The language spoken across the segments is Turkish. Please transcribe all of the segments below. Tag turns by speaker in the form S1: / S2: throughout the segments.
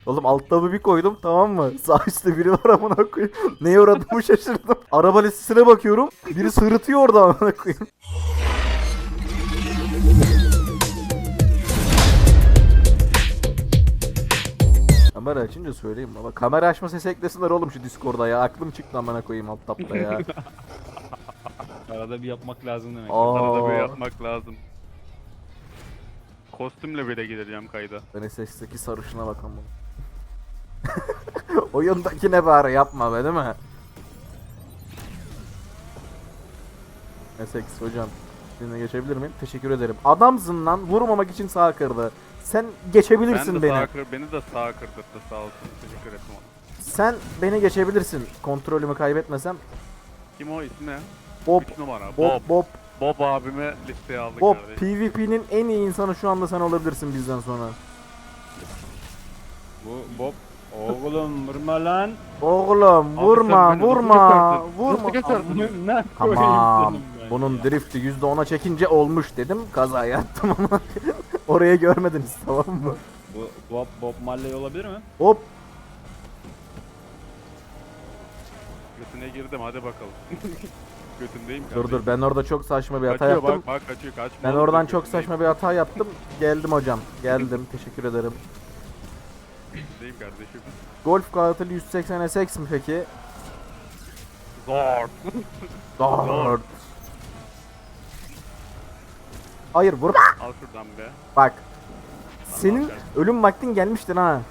S1: Oğlum alt tabı bir koydum, tamam mı? Sağ üstte biri var amına koyayım. Neye uğradığımı şaşırdım. Araba listesine bakıyorum. Biri sırıtıyor orada amına koyayım. Kamera açınca söyleyeyim baba. Kamera açma sesi eklesinler oğlum şu Discord'a ya. Aklım çıktı amına koyayım alt tabda ya.
S2: Arada bir yapmak lazım demek.
S3: Arada böyle
S1: Aa,
S3: yapmak lazım. Kostümle bile gideceğim kayda.
S1: ben SS'deki sarışına bakalım. Oyundaki ne bari yapma be, değil mi? SX hocam. Sizinle geçebilir miyim? Teşekkür ederim. Adamsın lan, vurmamak için sağ kırdı. Sen geçebilirsin
S3: Ben de
S1: beni.
S3: beni de sağ kırdırdı sağ olsun. Teşekkür ederim ona.
S1: Sen beni geçebilirsin. Kontrolümü kaybetmesem.
S3: Kim o ismi ne?
S1: Bob,
S3: 3 numara.
S1: Bob, Bob,
S3: Bob abime listeye aldık
S1: Bob.
S3: kardeşim.
S1: PvP'nin en iyi insanı şu anda sen olabilirsin bizden sonra.
S2: Bu Bob. Oğlum vurma lan.
S1: Oğlum
S3: Abi
S1: vurma,
S3: sen beni
S1: vurma,
S3: nasıl
S1: vurma.
S3: geçersin?
S2: Amına
S1: Tamam.
S2: koyayım senin ben
S1: Bunun
S2: ya.
S1: drifti %10'a çekince olmuş dedim. Kaza yaptım ama oraya görmediniz, tamam mı?
S2: Bu Bob Marley olabilir mi?
S1: Hop.
S3: Götüne girdim hadi bakalım. Götündeyim
S1: Dur
S3: kardeşim.
S1: dur, ben orada çok saçma bir hata
S3: Kaçıyor
S1: yaptım.
S3: bak kaçıyor kaçma.
S1: Ben
S3: oğlum,
S1: oradan
S3: dur,
S1: çok
S3: götündeyim.
S1: saçma bir hata yaptım. Geldim hocam. Geldim. Teşekkür ederim.
S3: Götündeyim kardeşim.
S1: Golf katili 180 SX mi peki?
S3: Zor.
S1: Dört. Hayır vurma.
S3: Al şuradan be.
S1: Bak. Senin ölüm vaktin gelmiştir ha.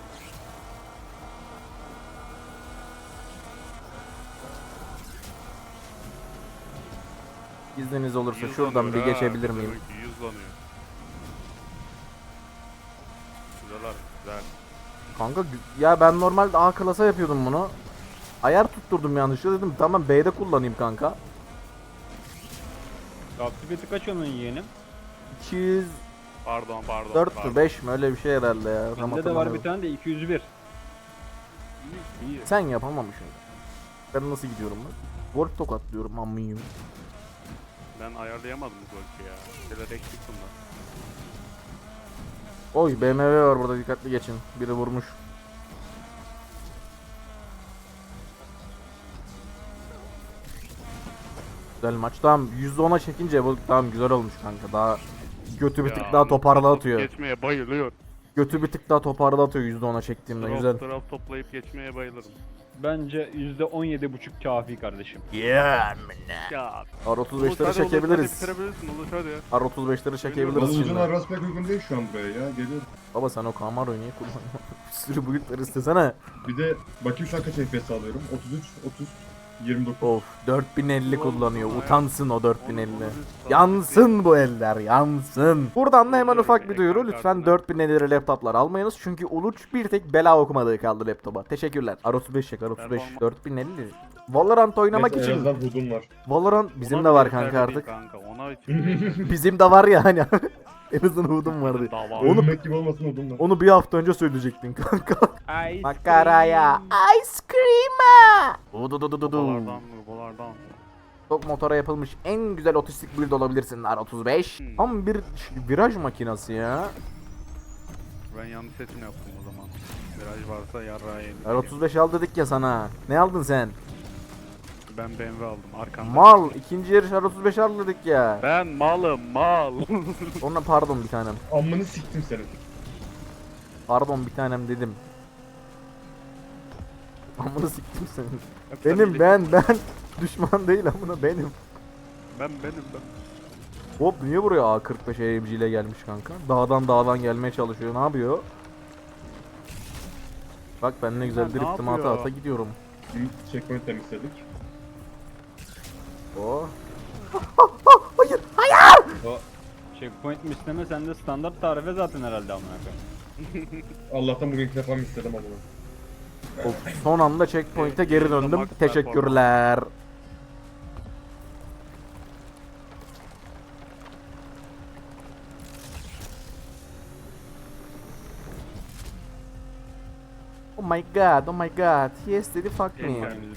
S1: İzniniz olursa şuradan bir
S3: Yüzlanıyor ha,
S1: geçebilir miyim?
S3: demek ki yüzlanıyor. Güzel abi, güzel.
S1: Kanka ya ben normalde A klasa yapıyordum bunu. Ayar tutturdum yanlışlıkla, dedim tamam B'de kullanayım kanka.
S2: Aktifiyeti kaç onun yeğenim?
S1: 204
S3: Pardon.
S1: mü 5 mi öyle bir şey herhalde ya. Tam
S2: Bende de var bir
S1: hatırlamıyorum.
S2: tane de 201.
S3: İyi.
S1: Sen yapamamışsın. Ben nasıl gidiyorum ben? Golf tokatlıyorum amıyım.
S3: Ben ayarlayamadım bu golfü ya. Şeyler eksik bunlar.
S1: Oy BMW var burada, dikkatli geçin. Biri vurmuş. Güzel maç. Tamam %10'a çekince bu tamam güzel olmuş kanka. Daha götü bir tık
S3: Ya,
S1: daha toparla
S3: top
S1: atıyor.
S3: Geçmeye bayılıyor.
S1: Götü bir tık daha toparla atıyor %10'a çektiğimde güzel.
S3: Taraf toplayıp geçmeye bayılırım.
S2: Bence %17,5 kafi kardeşim.
S1: Yeah.
S3: Ya.
S1: R35'leri çekebiliriz.
S3: Bitirebilirsin Uluş hadi.
S1: R35'leri çekebiliriz
S3: Oğlum,
S1: şimdi.
S4: Uzun arası pek uygun değil şu an buraya ya. Geliyorum.
S1: Baba sen o Camaro'yu niye kullanıyorsun? Bir sürü boyutlar istesene.
S4: Bir de bakayım şu an kaç FPS alıyorum. 33, 30, 29.
S1: Of 4050 kullanıyor. Utansın o 4050.
S3: Onu-
S1: Yansın bu eller, yansın. Buradan da hemen ufak bir duyuru. Lütfen 4050 laptoplar almayınız. Çünkü Uluç bir tek bela okumadığı kaldı laptopa. Teşekkürler. R35 çek, R35. 4050. Valorant oynamak
S4: Neyse, en
S1: için.
S4: azından hudum var.
S1: Valorant bizim
S3: Ona
S1: de
S3: bile
S1: var
S3: yeterli
S1: kanka
S3: değil
S1: artık.
S3: Kanka ona için.
S1: Bizim de var yani. En azından hudum vardı.
S3: Daha var.
S1: Onu-
S4: Ölmek gibi olmasın hudum var.
S1: Onu bir hafta önce söyleyecektin kanka.
S2: Ice
S1: Makaraya. Ice cream'a.
S3: Babalardan.
S1: Çok motora yapılmış en güzel otistik build olabilirsin R35. Tam bir viraj makinası ya.
S3: Ben yanlış seçim yaptım o zaman. Viraj varsa yarrağı yedim.
S1: R35 al dedik ya sana. Ne aldın sen?
S3: Ben BMW aldım arkamda.
S1: Mal. İkinci yarış R35 al dedik ya.
S3: Ben malım mal.
S1: Ona pardon bir tanem.
S4: Amını siktim senin.
S1: Pardon bir tanem dedim. Amına siktim senin. Benim ben. Düşman değil amına benim.
S3: Ben.
S1: Hop niye buraya A45 AMG ile gelmiş kanka? Dağdan gelmeye çalışıyor. Ne yapıyor? Bak ben ne güzel
S3: Ha, ne
S1: driftimi ata
S3: yapıyor?
S1: ata gidiyorum.
S4: Bir checkpoint temizledik.
S1: Oh.
S2: O checkpoint mi isteme sende standart tarife zaten herhalde amına koyayım.
S4: Allah'tan bugün ilk defa mı istedim ama.
S1: Of, son anda checkpoint'e geri döndüm. Teşekkürler. Oh my god, oh my god. Yes dedi fuck me.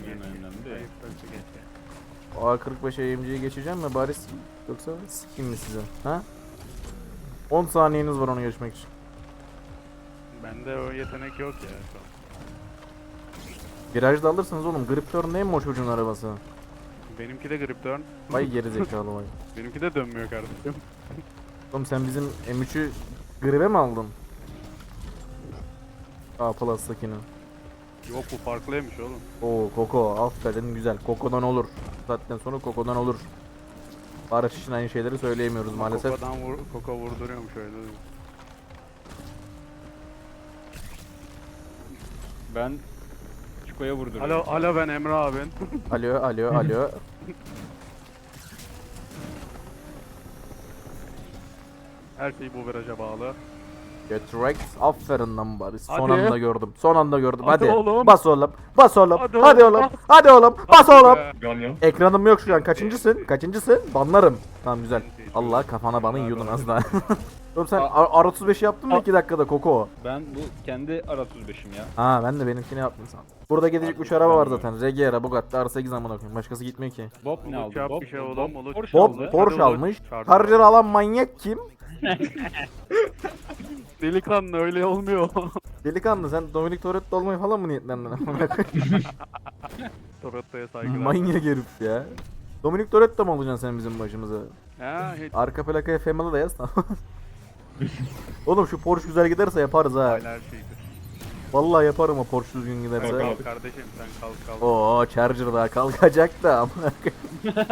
S1: A45 AMG'ye geçeceğim mi bari yoksa sikeyim mi size? Ha? 10 saniyeniz var onu geçmek için.
S3: Bende o yetenek yok ya şu an.
S1: Virajda alırsınız oğlum. Grip turn neyim o çocuğun arabası?
S3: Benimki de grip turn.
S1: Vay geri zekalı vay.
S3: Benimki de dönmüyor kardeşim.
S1: Oğlum sen bizim M3'ü gribe mi aldın? A Plus'takini.
S3: Yok bu farklıymış oğlum.
S1: Oo Koko aferin güzel. Koko'dan olur. Zaten sonra Koko'dan olur. Barış için aynı şeyleri söyleyemiyoruz maalesef.
S3: Koko vurduruyormuş öyle.
S2: Ben Çiko'ya vurduruyorum.
S3: Alo ben Emre abin.
S1: Alo.
S3: Her şey bu viraja bağlı.
S1: Get Rex aferin lan Barış. Son
S3: Hadi.
S1: anda gördüm. Son anda gördüm.
S3: Hadi
S1: Hadi.
S3: oğlum.
S1: Bas oğlum. Bas oğlum.
S3: Hadi
S1: Hadi
S3: oğlum,
S1: oğlum.
S3: bas.
S1: Hadi oğlum. Bas oğlum.
S4: Ganyan.
S1: Ekranım yok şu an. Kaçıncısın? Kaçıncısın? Banlarım. Tamam güzel. Allah kafana bana yiyordun az daha. Oğlum sen R35 yaptın mı 2 dakikada Koko?
S2: Ben bu kendi R35'im ya.
S1: Ha ben de benimkini yaptım sen. Burada gidecek 3 araba var zaten. Regera, Bugatti, R8 amına koyayım. Başkası gitmiyor ki.
S2: Bob ne
S3: Uluç
S2: aldı?
S3: yap
S2: Bob,
S3: bir şey oğlum, Uluç.
S2: Porsche
S1: Bob
S2: aldı.
S1: Porsche
S3: Hadi
S1: almış.
S3: Charger.
S1: Charger alan manyak kim?
S3: Delikanlı öyle olmuyor.
S1: Delikanlı sen Dominic Toretto olmayı falan mı niyetlendin? Amına koyayım?
S3: Toretto'ya saygılar.
S1: Manyak herif ya. Dominic Toretto mu olacaksın sen bizim başımıza?
S3: Ha hiç
S1: Arka plakaya Femalı da yaz tamam. Oğlum şu Porsche güzel giderse yaparız ha.
S3: her şeydir.
S1: Vallahi yaparım o Porsche düzgün giderse.
S4: Bakalım.
S3: Kalk kardeşim sen kalk.
S1: Oo Charger daha kalkacak da amına koyayım.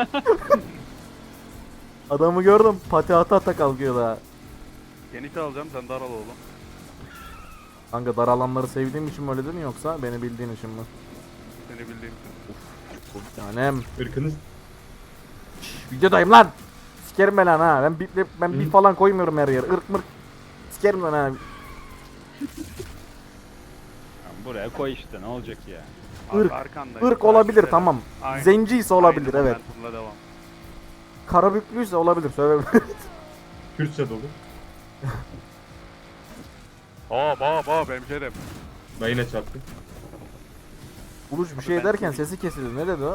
S1: Adamı gördüm pati ata kalkıyor daha.
S3: Geniş alacağım sen dar al oğlum.
S1: Kanka dar alanları sevdiğim için mi öyle dedin yoksa beni bildiğin için mi?
S3: Seni bildiğim için.
S1: Bir tanem.
S4: Irkınız.
S1: Şşş, videodayım lan. Sikerim ben lan ha. Ben bir falan koymuyorum her yere. Irk mırk. Sikerim lan ha.
S2: Ya buraya koy işte ne olacak ya.
S1: Irk,
S3: Arkandayım.
S1: Irk olabilir
S3: Takip
S1: tamam.
S3: ederim. Aynen.
S1: Zenciyse olabilir
S3: Aynen,
S1: evet.
S3: momentumla devam.
S1: Karabüklüyse olabilir söyleyebilirim.
S4: Kürtçe dolu.
S3: Hop hemşerim.
S4: Ben yine çarptım.
S1: Uluç bir şey derken sesi kesildi. Ne dedi o?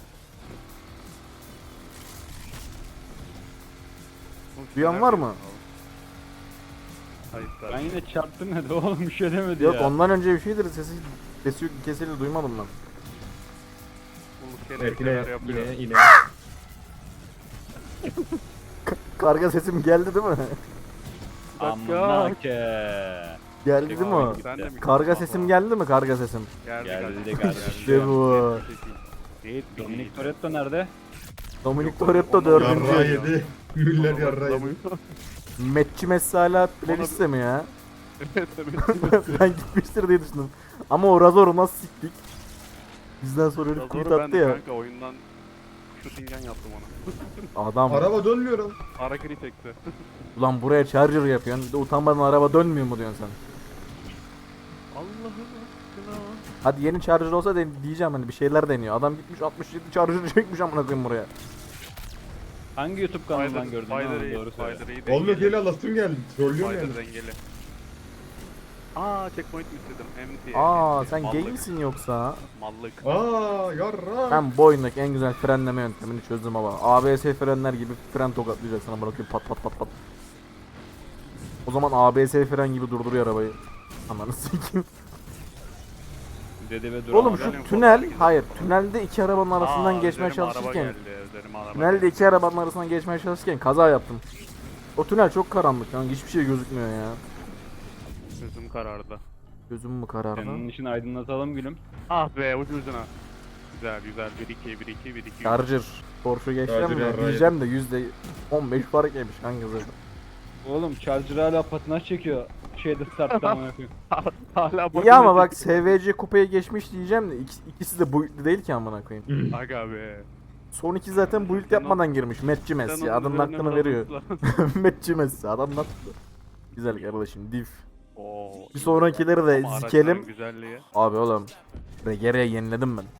S1: Duyan var mı?
S3: Hayır.
S2: Ben yine çarptım dedi oğlum bir şey demedi
S1: Yok
S2: ya.
S1: ondan önce bir şeydir sesi kesildi duymadım ben.
S4: Evet yine.
S1: Karga sesim geldi değil mi?
S2: Amına ke.
S1: Geldi değil mi o?
S3: Sen de mi?
S1: Karga sesim geldi mi karga sesim?
S2: Geldi kardeşim.
S1: İşte bu.
S2: Dominic Toretto nerede?
S1: Dominic Toretto
S4: Yarra
S1: 4.
S4: yedi. Müller yarra yedi.
S1: Metçi Messi hala playlist'te mi ya?
S3: Evet evet.
S1: Ben gitmiştir diye düşündüm. Ama o Razor'u nasıl siktik? Bizden sonra herif tweet
S3: Razoru ben
S1: attı
S3: de
S1: ya.
S3: kanka oyundan shootingan yaptım ona.
S1: Adam
S4: Araba dönmüyorum.
S3: Harakiri çekti.
S1: ulan buraya charger yapıyorsun. Bir de utanmadan araba dönmüyor mu diyorsun sen?
S3: Allah'ım aşkına.
S1: Hadi yeni charger olsa diyeceğim hani bir şeyler deniyor. Adam gitmiş 67 charger çekmiş amına koyayım buraya.
S2: Hangi YouTube kanalından gördün ha? Doğru söyle.
S4: Olmuyor gel alasım geldi. Trollüyorum yani.
S3: Spider dengeli. Checkpoint mi istedim? MT.
S1: Aa
S3: MT.
S1: sen gay
S3: Mallık.
S1: misin yoksa?
S3: Mallık.
S4: Yarra.
S1: Ben bu oyundaki en güzel frenleme yöntemini çözdüm ama. ABS frenler gibi fren tokatlayacaksın ama bakayım pat pat pat pat. O zaman ABS fren gibi durduruyor arabayı. Ananı sikeyim.
S2: Dedi ve
S1: Oğlum
S2: duramadı.
S1: şu tünel, hayır tünelde iki arabanın arasından geçmeye
S3: üzerime araba
S1: çalışırken
S3: geldi, üzerime araba
S1: tünelde
S3: geldi.
S1: iki arabanın arasından geçmeye çalışırken kaza yaptım. O tünel çok karanlık yani hiçbir şey gözükmüyor ya.
S3: Gözüm karardı.
S1: Gözüm mü karardı?
S2: Senin için aydınlatalım gülüm.
S3: Ah be ucu ucuna. Güzel 1-2
S1: Charger. Porsche geçeceğim
S4: Charger
S1: mi?
S4: yarrağı
S1: Diyeceğim de %15 fark yemiş kanka zaten.
S2: Oğlum Charger hala patinaj çekiyor. Şeyde startta amına koyayım.
S3: Hala
S1: İyi ama bak SVC kupaya geçmiş diyeceğim de ikisi de build'li değil ki amına koyayım.
S3: Aga be.
S1: Son iki zaten build yapmadan girmiş. Metçi Messi. Adının hakkını veriyor. Metçi Messi. Adam nasıl? Güzel kardeşim. Div. Bir sonrakileri de
S3: Ama
S1: zikelim.
S3: araçların güzelliği.
S1: Abi oğlum. Regere'ye yeniledim ben.